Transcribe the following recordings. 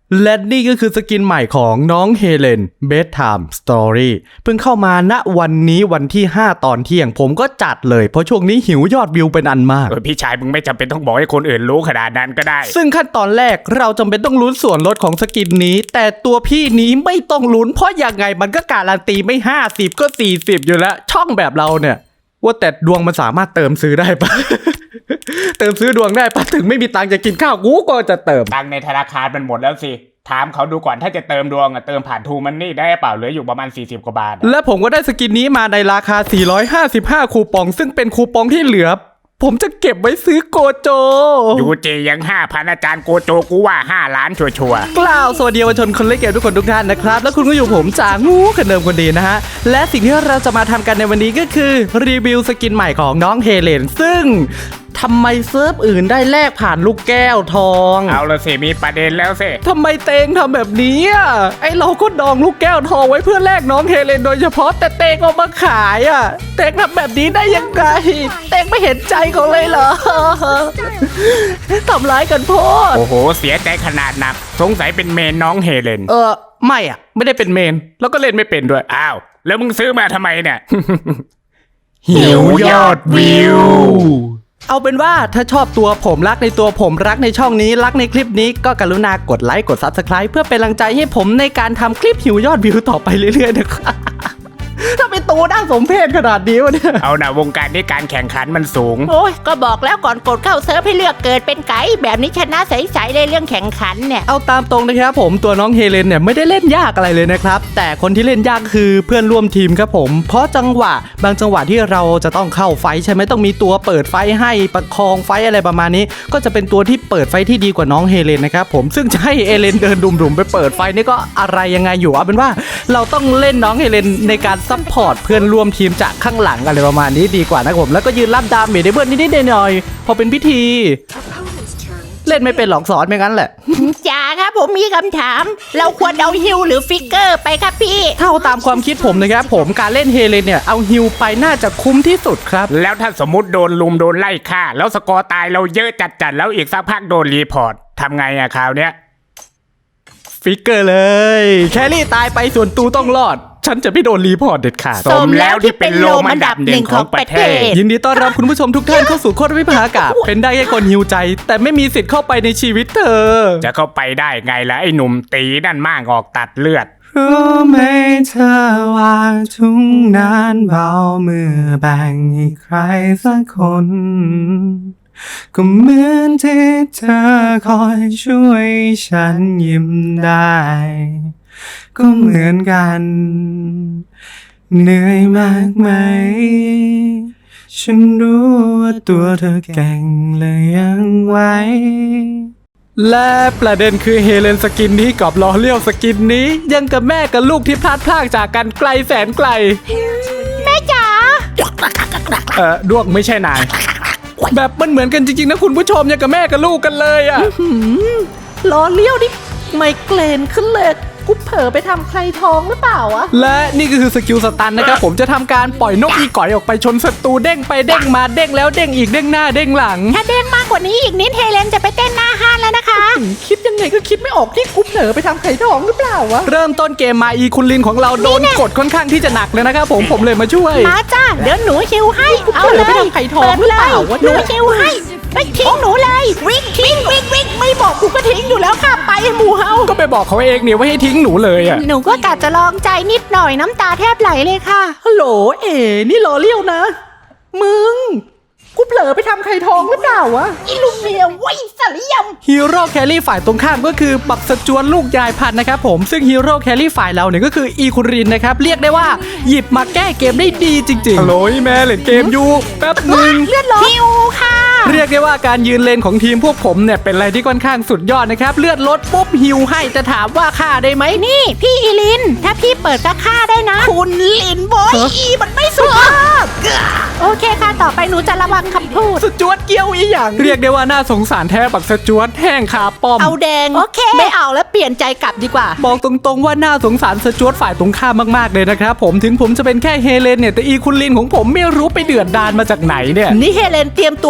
และนี่ก็คือสกินใหม่ของน้องเฮเลน Bedtime Story เพิ่งเข้ามาณวันนี้วันที่5ตอนเที่ยงผมก็จัดเลยเพราะช่วงนี้หิวยอดวิวเป็นอันมากพี่ชายมึงไม่จำเป็นต้องบอกให้คนอื่นรู้ขนาดนั้นก็ได้ซึ่งขั้นตอนแรกเราจำเป็นต้องลุ้นส่วนลดของสกินนี้แต่ตัวพี่นี้ไม่ต้องลุ้นเพราะยังไงมันก็การันตีไม่50ก็40อยู่แล้วช่องแบบเราเนี่ยว่าแต่ดวงมันสามารถเติมซื้อได้ปะ เติมซื้อดวงได้ปะถึงไม่มีตังค์จะกินข้าวกูก็จะเติมตังค์ในธนาคารมันหมดแล้วสิถามเขาดูก่อนถ้าจะเติมดวงเติมผ่านทูมันนี่ได้เปล่าเหลืออยู่ประมาณ40กว่าบาทและผมก็ได้สกินนี้มาในราคา455คูปองซึ่งเป็นคูปองที่เหลือผมจะเก็บไว้ซื้อโกโจยูเจยัง 5,000 อาจารย์โกโจกูว่า5 ล้านชัวร์กล่าวสวัสดีเยาวชนคนเล่นเกมทุกคนทุกท่านนะครับแล้วคุณก็อยู่ผมจางูคนเดิมคนดีนะฮะและสิ่งที่เราจะมาทำกันในวันนี้ก็คือรีวิวสกินใหม่ของน้องเฮเลนซึ่งทำไมเซิร์ฟอื่นได้แลกผ่านลูกแก้วทองเอาละสิมีประเด็นแล้วสิทำไมเตงทำแบบนี้ไอเราก็ดองลูกแก้วทองไว้เพื่อแลกน้องเฮเลนโดยเฉพาะแต่เตงเอามาขายเตงทำแบบนี้ได้ยังไงเตงไม่เห็นใจเขาเลยเหรอทำร้ายกันโพดโอ้โหเสียใจขนาดหนักสงสัยเป็นเมนน้องเฮเลนไม่ได้เป็นเมนแล้วก็เล่นไม่เป็นด้วยอ้าวแล้วมึงซื้อมาทำไมเนี่ยหิวยอดวิวเอาเป็นว่าถ้าชอบตัวผมรักในตัวผมรักในช่องนี้รักในคลิปนี้ก็กรุณากดไลค์กด Subscribe เพื่อเป็นกำลังใจให้ผมในการทำคลิปหิวยอดวิวต่อไปเรื่อยๆนะครับถ้าเป็นตัวน่าสมเพชขนาดนี้วะเนี่ยเอานะวงการนี้การแข่งขันมันสูงโอ้ยก็บอกแล้วก่อนกดเข้าเซิร์ฟให้เลือกเกิดเป็นไก่แบบนี้ชนะใสๆเลยเรื่องแข่งขันเนี่ยเอาตามตรงนะครับผมตัวน้องเฮเลนเนี่ยไม่ได้เล่นยากอะไรเลยนะครับแต่คนที่เล่นยากคือเพื่อนร่วมทีมครับผมเพราะบางจังหวะที่เราจะต้องเข้าไฟใช่ไหมต้องมีตัวเปิดไฟให้ประคองไฟอะไรประมาณนี้ก็จะเป็นตัวที่เปิดไฟที่ดีกว่าน้องเฮเลนนะครับผมซึ่งจะให้เฮเลนเดินดุ่มๆไปเปิดไฟนี่ก็อะไรยังไงอยู่เอาเป็นว่าเราต้องเล่นน้องเฮเลนในการซัพพอร์ตเพื่อนร่วมทีมจากข้างหลังอะไรประมาณนี้ดีกว่านะผมแล้วก็ยืนรับดาเมจให้เพื่อนนิดๆหน่อยๆพอเป็นพิธีเล่นไม่เป็นหรอกสอนไม่งั้นแหละจ๋าครับผมมีคำถามเราควรเอาฮิลหรือฟิกเกอร์ไปครับพี่เท่าตามความคิดผมนะครับผมการเล่นเฮเลนเนี่ยเอาฮิลไปน่าจะคุ้มที่สุดครับแล้วถ้าสมมติโดนลุมโดนไล่ฆ่าแล้วสกอร์ตายเราเยอะจัดแล้วอีกสักพักโดนรีพอร์ตทำไงคราวเนี้ยฟิกเกอร์เลยแครี่ตายไปส่วนตูต้องรอดฉันจะไม่โดนรีพอร์ตเด็ดขาดสมแล้วที่เป็นโลมอันดับหนึ่งของประเทศยินดีต้อนรับคุณผู้ชมทุกท่านเข้าสู่โคตรวิภากาศเป็นได้แค่คนหิวใจแต่ไม่มีสิทธิ์เข้าไปในชีวิตเธอจะเข้าไปได้ไงล่ะไอ้หนุ่มตีนั่นมากออกตัดเลือดรู้ไหมเธอว่าทุ่งนั้นเบาเมื่อแบ่งให้ใครสักคนก็เหมือนที่เธอคอยช่วยฉันยิ้มได้ก็เหมือนกันเหนื่อยมากไหมฉันรู้ว่าตัวเธอแก่งเลยยังไหวและประเด็นคือเฮเลนสกินนี้กับลอเลียวสกินนี้ยังกับแม่กับลูกที่พลัดพรากจากกันไกลแสนไกลแม่จ๋าดวงไม่ใช่นายแบบมันเหมือนกันจริงๆนะคุณผู้ชมยังกับแม่กับลูกกันเลยลอเลียวนี่ไมเกรนขึ้นเลยกูเผลอไปทำใครท้องหรือเปล่าวะและนี่ก็คือสกิลสตันนะครับผมจะทำการปล่อยนกอีก่อยออกไปชนศัตรูเด้งไปเด้งมาเด้งแล้วเด้งอีกเด้งหน้าเด้งหลังถ้าเด้งมากกว่านี้อีกนิดเฮเลนจะไปเต้นหน้าห้านแล้วนะคะคิดยังไงก็คิดไม่ออกที่กูเผลอไปทำไข่ท้องหรือเปล่าวะเริ่มต้นเกมมาอีคุณลินของเราโดนกดค่อนข้างที่จะหนักเลยนะครับผมเลยมาช่วยมาจ้าเดี๋ยวหนูฮิวให้เอาเลยไปทำไข่ท้องหรือเปล่าวะหนูฮิวให้ไปทิ้งหนูเลยวิ่งไม่บอกกูก็ทิ้งอยู่แล้วค่ะไปหมูเฮาก็ไปบอกเขาเองเนี่ยว่าให้ทิ้งหนูเลยหนูก็กะจะลองใจนิดหน่อยน้ำตาแทบไหลเลยค่ะฮัลโหลนี่รอเลี้ยวนะมึงกูเผลอไปทำไข่ทองหรือเปล่าวะอีลูกเมียไว้สลิยมฮีโร่แครี่ฝ่ายตรงข้ามก็คือบักสจวนลูกยายพันธุ์นะครับผมซึ่งฮีโร่แครี่ฝ่ายเราเนี่ยก็คืออีคุรินนะครับเรียกได้ว่าหยิบมาแก้เกมได้ดีจริงๆฮัลโหลแม่เล่นเกมอยู่แป๊บนึงเลือดลดฮิวค่ะเรียกได้ว่าการยืนเลนของทีมพวกผมเนี่ยเป็นอะไรที่ค่อนข้างสุดยอดนะครับเลือดลดปุ๊บฮิวให้จะถามว่าฆ่าได้ไหมนี่พี่อีลินถ้าพี่เปิดก็ฆ่าได้นะคุณลินบอยอีมันไม่สุภาพโอเคค่ะต่อไปหนูจะระวังคำพูดสจวตเกี้ยวอีหยังเรียกได้ว่าน่าสงสารแท้บักสจวตแห้งขาป้อมเอาแดงโอเคไม่เอาแล้วเปลี่ยนใจกลับดีกว่าบอกตรงๆว่าน่าสงสารสจวตฝ่ายตรงข้ามมากๆเลยนะครับผมถึงผมจะเป็นแค่เฮเลนเนี่ยแต่อีคุณลินของผมไม่รู้ไปเดือดดานมาจากไหนเนี่ยนี่เฮเลนเตรียมตัวนะเดี๋ยว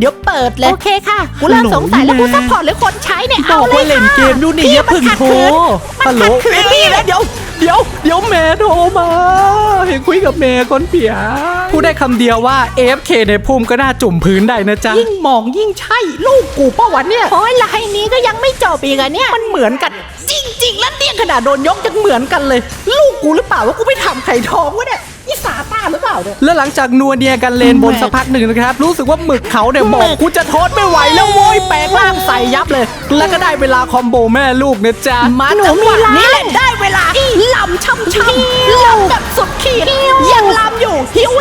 ดี๋ยวเปิดเลยโอเคค่ะกูเริ่มสงสัยแล้วกูซัพพอร์ตหรือคนใช้เนี่ยเอาเลยค่ะเล่นเกมดูนี่อย่าพึ่งโทรฮัลโหลนี่แล้วเดี๋ยวแม่โทรมาเห็นคุยกับแม่คนเปียพูดได้คำเดียวว่า AFK ในภูมิก็น่าจุ่มพื้นได้นะจ๊ะยิ่งมองยิ่งใช่ลูกกูป้าวันเนี่ยโอ้ยลายนี้ก็ยังไม่จบอีกอะเนี่ยมันเหมือนกันจริงๆแล้วเนี่ยขนาดโดนยกยังเหมือนกันเลยลูกกูหรือเปล่าว่ากูไปทำไข่ทองวะเนี่ยนี่สาตาหรือเปล่าเนี่ยแล้วหลังจากนัวเนียกันเลนบนสักพักหนึ่งนะครับรู้สึกว่าหมึกเขาเนี่ยบอกกูจะทนไม่ไหวแล้วโว้ยแปลงร่างใส่ยับเลยแล้วก็ได้เวลาคอมโบแม่ลูกนะจ๊ะมาจังหวะนี้แหละได้เวลาลำช่ำลำแบบสุดขีดยังลำอยู่ฮิว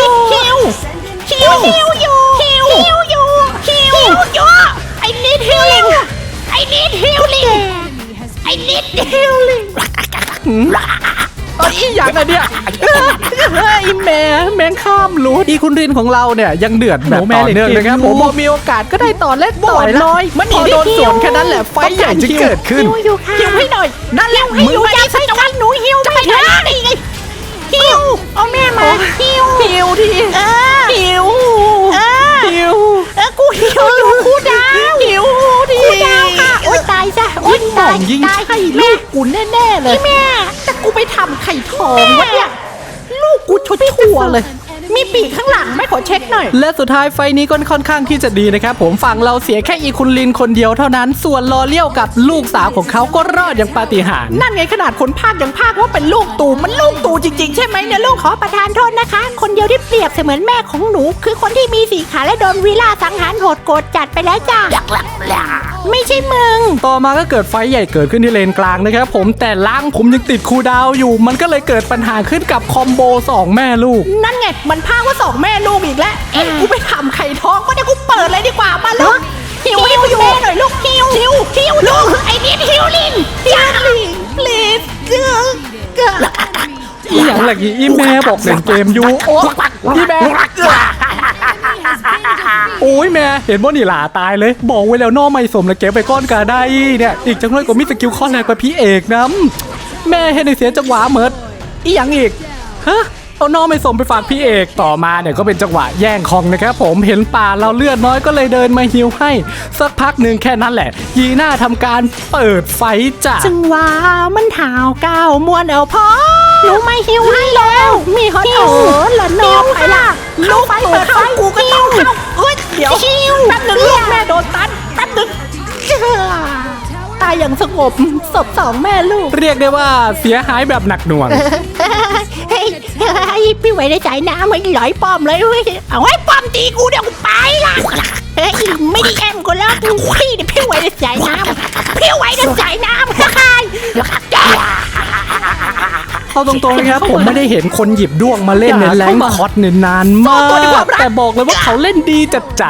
ไอ้นิดฮิลลิ่งไอ้นิดฮิลลิ่งไอ้อย่างไรเนี่ยไอ้แมงข้ามรูอีคุณรินของเราเนี่ยยังเดือดแบบต่อเนื่องนะครับผมพอมีโอกาสก็ได้ต่อเล่นต่อยน้อยมันพอโดนสวนแค่นั้นแหละไฟใหญ่จะเกิดขึ้นฮิวให้หน่อยนั่นแล้วมึงจะไปจังหนูฮิวไม่ได้ฮิวเอาแม่มาฮิวทีฮิวกูฮิวอยู่กูดาวฮิวทีกูดาวค่ะโอ๊ยตายซะโอ๊ยตายใช่ลูกกูแน่เลยแม่แต่กูไปทำไข่ทองวะเนี่ยลูกกูชั่วเลยมีปีกข้างหลังไม่ขอเช็คหน่อยและสุดท้ายไฟนี้ก็ค่อนข้างที่จะดีนะครับผมฝั่งเราเสียแค่อีคุณลินคนเดียวเท่านั้นส่วนลอเลี้ยวกับลูกสาวของเขาก็รอดอย่างปาฏิหาริย์นั่นไงขนาดคนพากยังพากว่าเป็นลูกตู่มันลูกตู่จริงๆใช่ไหมเนี่ยลูกขอประทานโทษนะคะคนเดียวที่เปรียบเสมือนแม่ของหนูคือคนที่มีสีขาและโดนวีล่าสังหารโหดโกรธจัดไปแล้วจ้ะไม่ใช่มึงต่อมาก็เกิดไฟใหญ่เกิดขึ้นที่เลนกลางนะครับผมแต่ล่างผมยังติดคูลดาวน์อยู่มันก็เลยเกิดปัญหาขึ้นกับคอมโบ2แม่ลูกนั่นไงมันพากว่า2แม่ลูกอีกแล้วกูไปทำไข่ทองก็ได้กูเปิดเลยดีกว่ามาลูกฮิวแม่หน่อยลูกฮิวลูกไอ้นิดฮิวลินplease อย่างไรอีแม่บอกเล่นเกมอยู่โอ้อีแม่โอ้ยแม่เห็นว่านี่หลาตายเลยบอกไว้แล้วนอไม่สมแล้วเก็บไปก้อนกาได้เนี่ยอีกจังเลยก็มีสกิลข้อแรกกว่าพี่เอกนะแม่เห็นในเสียจังหวะเหมิดอีหยังอีกฮะเอาน้องไม่สมไปฝากพี่เอกต่อมาเนี่ยก็เป็นจังหวะแย่งของนะครับผมเห็นป่าเราเลือดน้อยก็เลยเดินมาฮิวให้สักพักหนึ่งแค่นั้นแหละยีน่าทำการเปิดไฟจ้ะจังหวะมันถาวก้าวมวนเอาพอหนูไม่ฮิวให้แล้วมีฮอตโอ้ละน้องไปละลูกไฟเปิดไฟกูก็ต้องเข้าเดี๋ยวแป๊บนึงลูกแม่โดนตันแป๊บนึงตายอย่างสงบศพ2แม่ลูกเรียกได้ว่าเสียหายแบบหนักหน่วงเฮ้ยพี่ไว้ในใจน้ำไม่หลอยป้อมเลยเว้ยเอาไว้ป้อมตีกูเดี๋ยวกูไปละเฮ้ยไม่ได้แอมกูแล้วพี่เนี่ยพี่ไว้ในใจน้ำพี่ไว้ในใจน้ำใครเอาตรงๆนะครับผมไม่ได้เห็นคนหยิบด้วงมาเล่นในแรงคอสนานมากแต่บอกเลยว่าเขาเล่นดีจัด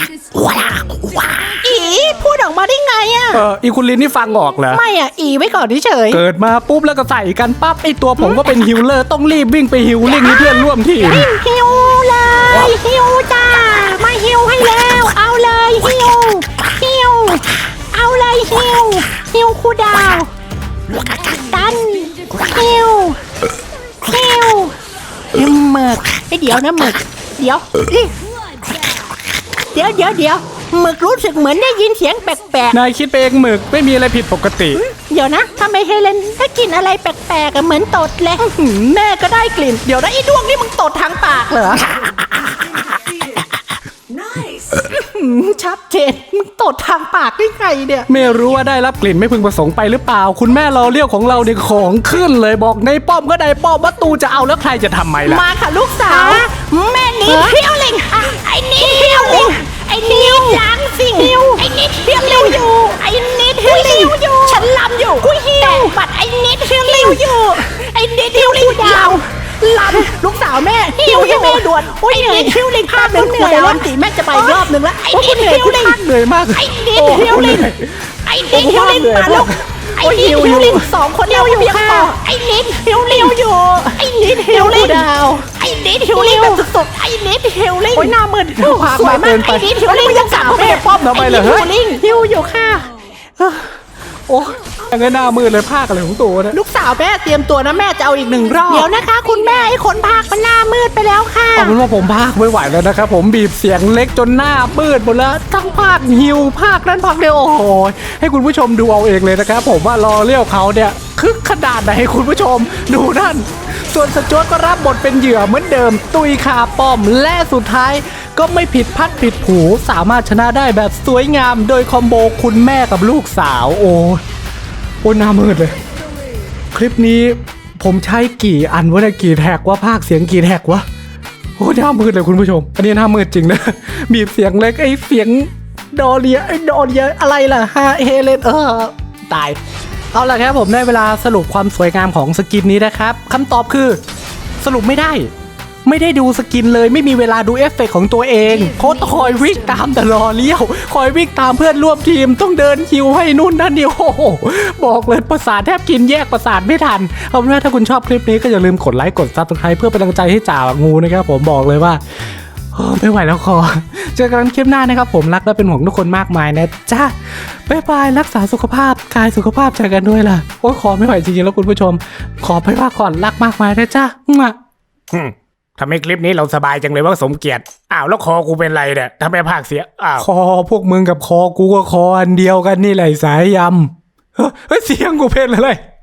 อีพูดออกมาได้ไงอ่ะอีคุณลินนี่ฟังออกเหรอไม่อ่ะอีไว้ก่อนเฉยเกิดมาปุ๊บแล้วก็ใส่กันปั๊บไอตัวผมก็เป็นฮิลเลอร์ต้องรีบวิ่งไปฮิลลิ่งให้เพื่อนร่วมทีมฮิลเลยฮิลจ้ามาฮิลให้แล้วเอาเลยฮิลเอาเลยฮิลคูดาวดันฮิลหมึกเดี๋ยวนะหมึกเดี๋ยวหมึกรู้สึกเหมือนได้ยินเสียงแปลกๆนายคิดไปเองหมึกไม่มีอะไรผิดปกติเดี๋ยวนะทำไมเฮเลนถ้ากินอะไรแปลกๆเหมือนตดเลยแม่ก็ได้กลิ่นเดี๋ยวนะไอ้ดวงนี่มึงตดทางปากเหรอชัดเจนมึงตดทางปากได้ไงเนี่ยไม่รู้ว่าได้รับกลิ่นไม่พึงประสงค์ไปหรือเปล่าคุณแม่เราเลี้ยวของเราเนี่ยของขึ้นเลยบอกในป้อมก็ได้ป้อมวัตตูจะเอาแล้วใครจะทำไมล่ะมาค่ะลูกสาวแม่นิดเที่ยวลิงไอ้นิดเที่ยวลิงไอ้นิดล้างสิ่งไอ้นิดเที่ยวลิงอยู่ไอ้นิดเที่ยวลิงอยู่ฉันลำอยู่กูหิวแต่บัดไอ้นิดเที่ยวลิงอยู่ไอ้นิดเที่ยวลิงยาวลำลูกสาวแม่หิวให้แม่ด่วนไอ้นิดเที่ยวลิงภาพหนึ่งเหนื่อยแล้วตีแม่จะไปรอบหนึ่งแล้วไอ้นิดเที่ยวลิงเหนื่อยมากไอ้นิดเที่ยวลิงมาลูกไอ้นิดเที่ยวลิง2คนเดียวอยู่ค่ะไอ้นิดเที่ยวลิงอยู่ไอ้นิดเที่ยวลิงดาวไอ้นิดเที่ยวลิงแบบสุดๆไอ้นิดเที่ยวลิงโอ้ยหน้ามืดสวยมากไอ้นิดเที่ยวลิงยังสามไม่ได้ป้อมทำไมเหรอฮิวอยู่ค่ะโอ้ยังไงหน้ามืดเลยภาคอะไรของตัวเนี่ยลูกสาวแม่เตรียมตัวนะแม่จะเอาอีก1 รอบเดี๋ยวนะคะ คุณแม่ไอ้คนพากมันหน้ามืดไปแล้วค่ะเอาเป็นว่าผมภาคไม่ไหวแล้วนะครับผมบีบเสียงเล็กจนหน้ามืดหมดแล้วทั้งภาคฮิวภาคนั้นภาคเดียวโอ้โหให้คุณผู้ชมดูเอาเองเลยนะครับผมว่ารอเลี้ยวเขาเนี่ยคึกขนาดไหนให้คุณผู้ชมดูนั่นส่วนสจ๊วตก็รับบทเป็นเหยื่อเหมือนเดิมตุยคาป้อมและสุดท้ายก็ไม่ผิดพัดผิดผูสามารถชนะได้แบบสวยงามโดยคอมโบคุณแม่กับลูกสาวโอ้หน้ามืดเลยคลิปนี้ผมใช้กี่อันวะเนี่ยกี่แท็กวะภาคเสียงกี่แท็กวะโอ้หน้ามืดเลยคุณผู้ชมอันนี้หน้ามืดจริงนะบีบเสียงเล็กไอ้เสียงดอเลียอะไรล่ะฮะเฮเลนตายเอาล่ะครับผมได้เวลาสรุปความสวยงามของสกินนี้นะครับคำตอบคือสรุปไม่ได้ดูสกินเลยไม่มีเวลาดูเอฟเฟกต์ของตัวเองโค้ดคอยวิ่งตามแต่รอเลี้ยวคอยวิ่งตามเพื่อนร่วมทีมต้องเดินคิวให้นู่นนั่นนี่โอ้โหบอกเลยประสาทแทบกินแยกประสาทไม่ทันเอาเป็นว่าถ้าคุณชอบคลิปนี้ก็อย่าลืมกดไลค์กดซับสไครป์เพื่อเป็นกำลังใจให้จ่างูนะครับผมบอกเลยว่าไม่ไหวแล้วคอเจอกันคลิปหน้านะครับผมรักและเป็นห่วงทุกคนมากมายนะจ้าบ๊ายบายรักษาสุขภาพกายสุขภาพเจอกันด้วยล่ะโอ้ยคอไม่ไหวจริงๆแล้วคุณผู้ชมขอไปว่าก่อนรักมากมายนะจ้าทำให้คลิปนี้เราสบายจังเลยว่าสมเกียรติอ้าวแล้วคอกูเป็นไรเนี่ยทำไมภาคเสียอ้าวคอพวกมึงกับคอกูก็คออันเดียวกันนี่แหละสายยำเฮ้ยเสียงกูเป็นอะไร